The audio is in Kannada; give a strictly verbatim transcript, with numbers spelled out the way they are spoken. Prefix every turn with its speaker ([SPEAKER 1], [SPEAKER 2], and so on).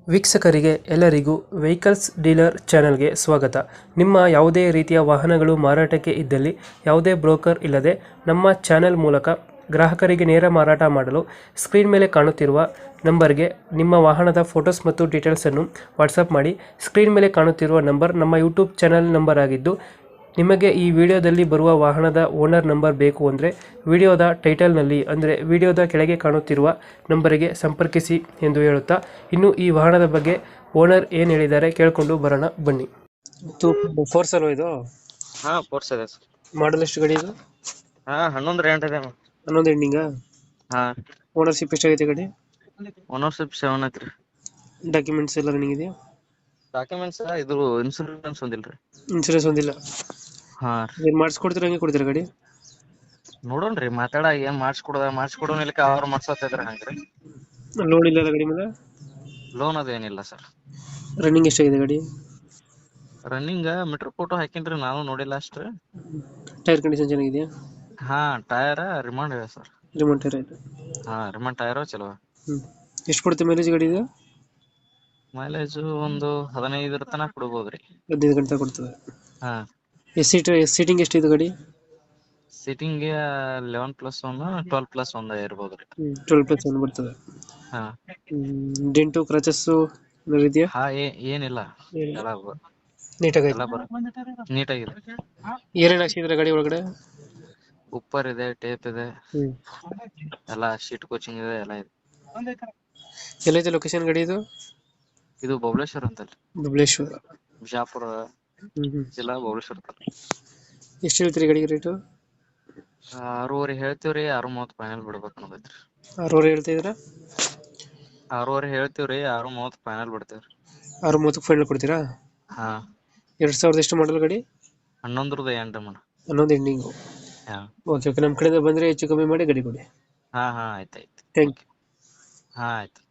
[SPEAKER 1] ವೀಕ್ಷಕರಿಗೆ ಎಲ್ಲರಿಗೂ ವೆಹಿಕಲ್ಸ್ ಡೀಲರ್ ಚಾನೆಲ್ಗೆ ಸ್ವಾಗತ. ನಿಮ್ಮ ಯಾವುದೇ ರೀತಿಯ ವಾಹನಗಳು ಮಾರಾಟಕ್ಕೆ ಇದ್ದಲ್ಲಿ ಯಾವುದೇ ಬ್ರೋಕರ್ ಇಲ್ಲದೆ ನಮ್ಮ ಚಾನೆಲ್ ಮೂಲಕ ಗ್ರಾಹಕರಿಗೆ ನೇರ ಮಾರಾಟ ಮಾಡಲು ಸ್ಕ್ರೀನ್ ಮೇಲೆ ಕಾಣುತ್ತಿರುವ ನಂಬರ್ಗೆ ನಿಮ್ಮ ವಾಹನದ ಫೋಟೋಸ್ ಮತ್ತು ಡೀಟೇಲ್ಸನ್ನು ವಾಟ್ಸಪ್ ಮಾಡಿ. ಸ್ಕ್ರೀನ್ ಮೇಲೆ ಕಾಣುತ್ತಿರುವ ನಂಬರ್ ನಮ್ಮ ಯೂಟ್ಯೂಬ್ ಚಾನೆಲ್ ನಂಬರ್ ಆಗಿದ್ದು, ನಿಮಗೆ ಈ ವಿಡಿಯೋದಲ್ಲಿ ಬರುವ ವಾಹನದ ಓನರ್ ನಂಬರ್ ಬೇಕು ಅಂದರೆ ವಿಡಿಯೋದ ಟೈಟಲ್ನಲ್ಲಿ ಅಂದರೆ ವಿಡಿಯೋದ ಕೆಳಗೆ ಕಾಣುತ್ತಿರುವ ನಂಬರಿಗೆ ಸಂಪರ್ಕಿಸಿ ಎಂದು ಹೇಳುತ್ತಾ, ಇನ್ನು ಈ ವಾಹನದ ಬಗ್ಗೆ ಓನರ್ ಏನು ಹೇಳಿದ್ದಾರೆ ಕೇಳಿಕೊಂಡು ಬರೋಣ ಬನ್ನಿ. ಫೋರ್ಸ್ ಅಲ್ವಾ ಇದು?
[SPEAKER 2] ಹಾ ಫೋರ್ಸ್ ಇದೆ ಸರ್.
[SPEAKER 1] ಮಾಡಲ್ ಎಷ್ಟು ಗಾಡಿ ಇದು?
[SPEAKER 2] ಹಾ ಹನ್ನೊಂದು ರೇಂಟ್ ಇದೆ.
[SPEAKER 1] ಹನ್ನೊಂದು ಎಂಡಿಂಗಾ?
[SPEAKER 2] ಹಾ
[SPEAKER 1] ಓನರ್ಶಿಪ್ ಎಷ್ಟಾಗೈತೆ ಗಾಡಿ?
[SPEAKER 2] ಓನರ್ಶಿಪ್ ಸೆವೆನ್ ಐತ್ರಿ.
[SPEAKER 1] ಡಾಕ್ಯುಮೆಂಟ್ಸ್ ಎಲ್ಲ ರನ್ನಿಂಗ್ ಇದೆಯಾ?
[SPEAKER 2] ಡಾಕ್ಯುಮೆಂಟ್ಸ್ ಇದು ಇನ್ಸೂರೆನ್ಸ್ ಒಂದಿಲ್ರಿ.
[SPEAKER 1] ಇನ್ಸೂರೆನ್ಸ್ ಒಂದಿಲ್ಲ?
[SPEAKER 2] ಹಾ
[SPEAKER 1] ಏನು ಮಾಡಿಸ್ಕೊಡ್ತೀರಾ, ಹಂಗೆ ಕೊಡ್ತೀರಾ ಗಾಡಿ?
[SPEAKER 2] ನೋಡೋಣ್ರಿ, ಮಾತಾಡ ಏನ್ ಮಾಡಿಸ್ಕೊಡದ ಮಾಡಿಸ್ಕೊಡೋನ್ ಇಲ್ಲಕ ಅವ್ರು ಮಾಡ್ಸತ್ತಿದ್ರ ಹಂಗ್ರಿ.
[SPEAKER 1] ಲೋನ್ ಇಲ್ಲ ಗಾಡಿ ಮೇಲೆ?
[SPEAKER 2] ಲೋನ್ ಅದು ಏನಿಲ್ಲ ಸರ್.
[SPEAKER 1] ರನ್ನಿಂಗ್ ಎಷ್ಟಾಗಿದೆ ಗಾಡಿ?
[SPEAKER 2] ರನ್ನಿಂಗ್ ಮೀಟರ್ ಫೋಟೋ ಹಾಕಿನ್ರಿ, ನಾನು ನೋಡಿಲ್ಲ ಅಷ್ಟ್ರಿ.
[SPEAKER 1] ಟೈರ್ ಕಂಡೀಷನ್ ಚೆನ್ನಾಗಿದೆಯಾ?
[SPEAKER 2] ಹಾ ಟೈರ್ ರಿಮಾಂಡ್ ಇದೆ ಸರ್.
[SPEAKER 1] ರಿಮೋಟ್ ಟೈರ್ ಆಯ್ತು?
[SPEAKER 2] ಹಾ ರಿಮಾಂಡ್ ಟೈರ್ ಚಲೋ.
[SPEAKER 1] ಹ್ಮ್ ಎಷ್ಟು ಕೊಡುತ್ತೆ ಮೈಲೇಜ್ ಗಾಡಿ ಇದು?
[SPEAKER 2] ಮೈಲೇಜ್ ಒಂದು ಹದಿನೈದರ ತನಕ ಕೊಡ್ಬೋದ್ರಿ.
[SPEAKER 1] ಹದಿನೈದು ಗಂಟೆ ಕೊಡ್ತದೆ?
[SPEAKER 2] ಹಾ
[SPEAKER 1] ಎಸ್ ಸೀಟ್ ಸೀಟಿಂಗ್ ಎಷ್ಟು ಇದು ಗಾಡಿ?
[SPEAKER 2] Seating eleven plus one twelve plus ಒಂದ್ ಇರ್ಬೋದ್ರಿ.
[SPEAKER 1] ಟ್ವೆಲ್ ಪ್ಲಸ್ ಒನ್ ಬರ್ತದೆ?
[SPEAKER 2] ಹಾ
[SPEAKER 1] ಡೆಂಟು ಕ್ರಚಸ್ಸು ಇದೆಯಾ?
[SPEAKER 2] ಹಾ ಏ- ಏನಿಲ್ಲ ಎಲ್ಲ
[SPEAKER 1] ನೀಟಾಗಿ
[SPEAKER 2] ಎಲ್ಲ ಬರ ನೀಟಾಗಿದೆ.
[SPEAKER 1] ಏನೇನು ಹಾಕ್ಸಿದ್ರೆ ಗಾಡಿ ಒಳಗಡೆ?
[SPEAKER 2] ಉಪ್ಪರ್ ಇದೆ, ಟೇಪ್ ಇದೆ,
[SPEAKER 1] ಹ್ಮ್
[SPEAKER 2] ಎಲ್ಲ ಶೀಟ್ ಕೋಚಿಂಗ್ ಇದೆ, ಎಲ್ಲ ಇದೆ.
[SPEAKER 1] ಎಲ್ಲೈತೆ ಲೊಕೇಶನ್ ಗಾಡಿ ಇದು?
[SPEAKER 2] ಇದು ಬಬಲೇಶ್ವರ ಅಂತಲ್ರಿ,
[SPEAKER 1] ಬಬಲೇಶ್ವರ.
[SPEAKER 2] ಬಿಜಾಪುರ
[SPEAKER 1] ಹ್ಮ್ ಹ್ಮ್
[SPEAKER 2] ಜಿಲ್ಲಾ ಬಬಲೇಶ್ವರ ತಾಲೂಕು.
[SPEAKER 1] ಎಷ್ಟು ಹೇಳ್ತೀರಿ ಗಾಡಿಗೆ ರೇಟು?
[SPEAKER 2] ಆರೂವರೆ ಹೇಳ್ತೀವ್ರಿ, ಆರು ಮೂವತ್ತು ಫೈನಲ್ ಬಿಡ್ಬೇಕು ಅನ್ನೋದೈತ್ರಿ.
[SPEAKER 1] ಆರೂವರೆ ಹೇಳ್ತಾ ಇದ್ರ?
[SPEAKER 2] ಆರೂವರೆ ಹೇಳ್ತೀವ್ರಿ, ಆರು ಮೂವತ್ತು ಫೈನಲ್ ಬಿಡ್ತೇವ್ರಿ.
[SPEAKER 1] ಆರು ಮೂವತ್ತಕ್ಕೆ ಫೈನಲ್ ಕೊಡ್ತೀರಾ?
[SPEAKER 2] ಹಾ
[SPEAKER 1] ಎರಡ್ ಸಾವಿರದ ಎಷ್ಟು ಮಾಡಲ್ ಗಾಡಿ?
[SPEAKER 2] ಹನ್ನೊಂದರದ ಎಂಟು ಮಣ.
[SPEAKER 1] ಹನ್ನೊಂದು ಎಂಡಿಂಗು?
[SPEAKER 2] ಹಾ
[SPEAKER 1] ಓಕೆ ಓಕೆ, ನಮ್ಮ ಕಡೆಯಿಂದ ಬಂದರೆ ಹೆಚ್ಚು ಕಮ್ಮಿ ಮಾಡಿ ಗಾಡಿ ಕೊಡಿ.
[SPEAKER 2] ಹಾ ಹಾ ಆಯ್ತಾಯ್ತು.
[SPEAKER 1] Thank you.
[SPEAKER 2] ಹಾ ಆಯ್ತು.